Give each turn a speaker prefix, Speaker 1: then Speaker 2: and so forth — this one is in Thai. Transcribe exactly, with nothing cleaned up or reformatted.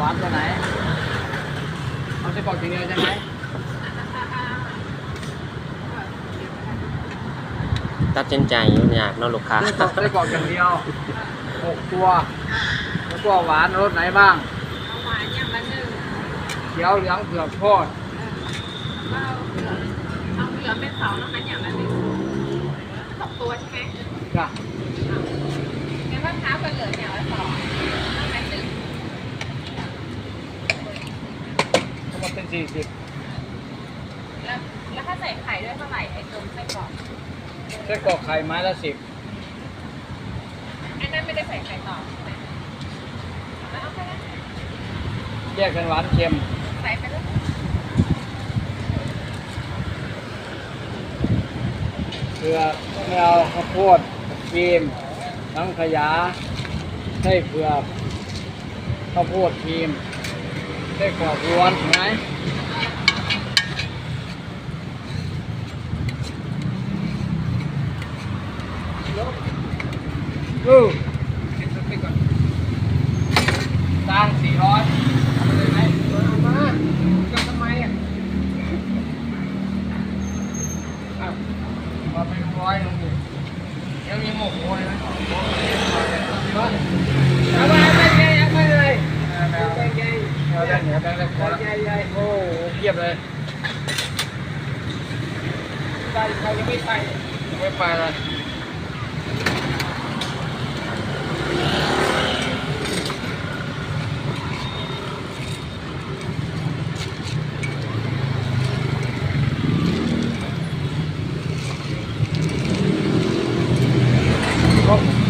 Speaker 1: หวานตัวไหนเอาไส้กรอกอย่างเดียวใช่ไหม
Speaker 2: ตัดสินใจยุ่งยากเนาะลูกค้า
Speaker 1: ไส้กรอกไส้กรอกอย่างเดียวหกตัวแล้วก็หวานรสไหนบ้าง
Speaker 3: หวานอย่างละหนึ่ง
Speaker 1: เขียวเหลืองเผือกทอด
Speaker 3: เอาเหลืองเอาเหลืองเป็นสองนะคะอย่างละหนึ่งสองตัวใช่ไหม
Speaker 1: จ้ะ
Speaker 3: งั้นมะพร้าวกับเหลืองอย่างละสองต้องเป็นหนึ่ง
Speaker 1: ทั้งหมดเป็นสี่สิบ
Speaker 3: แล้วแล้วถ้าใส่ไข่ด้วยเท่าไหร่ไอ้ตรงไส้กรอก
Speaker 1: ไส้กรอกไข่ไม้ละสิบ
Speaker 3: อันนั้นไม่ได้ใส่ไข่ต่อใช่ไหมแล้วเอาไปแล้ว
Speaker 1: แยกกันหวานเค็ม
Speaker 3: ใส่ไปเลย
Speaker 1: เกลือมะนาวข้าวโพดครีมสังขยาไส้เผือกข้าวโพดครีมไส้กรอกล้วนไหมอือตังสี่ร้อยเอาไปเลยไหมเอามาก็ทำไมอ่ะอ้าวมาเป็นร้อยลงดิยังมีหมกโอยไหมเอาไปเอาไปเอาไปเลยเอาไปเอาไปเอาได้เหนียวแบงค์ได้พอแล้วโอ้โหเพียบเลยไปใครยังไม่ไปยังไม่ไปเลยครบ